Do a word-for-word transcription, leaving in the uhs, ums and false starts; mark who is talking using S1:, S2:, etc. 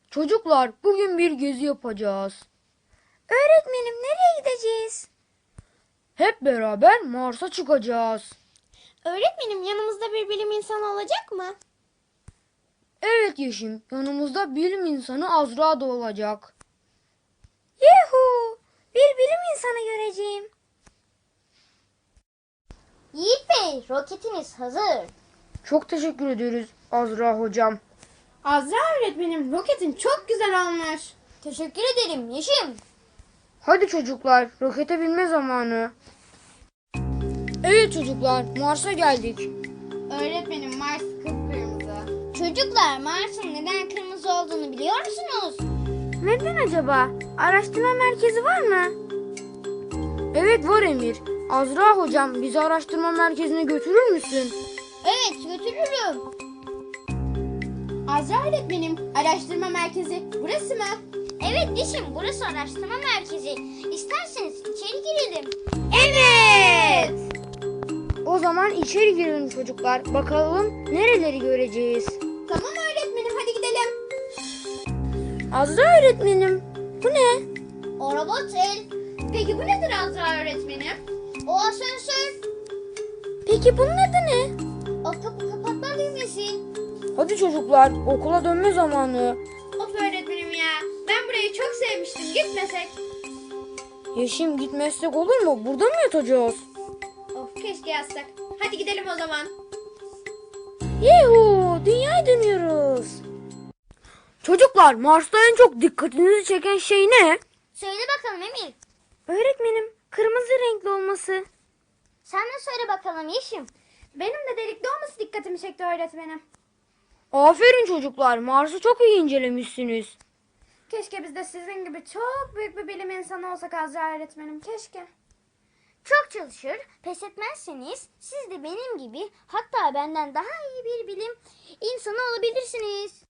S1: Çocuklar, bugün bir gezi yapacağız.
S2: Öğretmenim nereye gideceğiz?
S1: Hep beraber Mars'a çıkacağız.
S2: Öğretmenim yanımızda bir bilim insanı olacak mı?
S1: Evet Yeşim, yanımızda bilim insanı Azra da olacak.
S2: Yuhu! Bir bilim insanı göreceğim.
S3: Yiğit Bey, roketiniz hazır.
S1: Çok teşekkür ederiz Azra hocam.
S2: Azra öğretmenim roketin çok güzel olmuş.
S3: Teşekkür ederim Yeşim.
S1: Hadi çocuklar, rokete binme zamanı. Evet çocuklar, Mars'a geldik.
S2: Öğretmenim Mars kıpkırmızı.
S3: Çocuklar, Mars'ın neden kırmızı olduğunu biliyor musunuz?
S2: Neden acaba? Araştırma merkezi var mı?
S1: Evet var Emir. Azra hocam, bizi araştırma merkezine götürür müsün?
S3: Evet, götürürüm.
S2: Azra öğretmenim araştırma merkezi burası mı?
S3: Evet Yeşim, burası araştırma merkezi. İsterseniz içeri girelim.
S2: Evet.
S1: O zaman içeri girelim çocuklar. Bakalım nereleri göreceğiz.
S2: Tamam öğretmenim hadi gidelim.
S1: Azra öğretmenim, bu ne?
S3: O robot el,
S2: Peki bu nedir Azra öğretmenim?
S3: o asansör,
S2: Peki bunun adı ne?
S3: o kapı kapatma düğmesi.
S1: Hadi çocuklar, okula dönme zamanı.
S2: Of öğretmenim ya. Ben burayı çok sevmiştim. Gitmesek.
S1: Yeşim, gitmezsek olur mu? Burada mı yatacağız?
S2: Of keşke yazsak. Hadi gidelim o zaman.
S1: Yuhu, dünyaya dönüyoruz. Çocuklar, Mars'ta en çok dikkatinizi çeken şey ne?
S3: Söyle bakalım Emir.
S2: Öğretmenim kırmızı renkli olması.
S3: Sen de söyle bakalım Yeşim.
S2: Benim de delikli olması dikkatimi çekti öğretmenim.
S1: Aferin çocuklar, Mars'ı çok iyi incelemişsiniz.
S2: Keşke biz de sizin gibi çok büyük bir bilim insanı olsak Azra öğretmenim. Keşke.
S3: Çok çalışır, pes etmezseniz siz de benim gibi hatta benden daha iyi bir bilim insanı olabilirsiniz.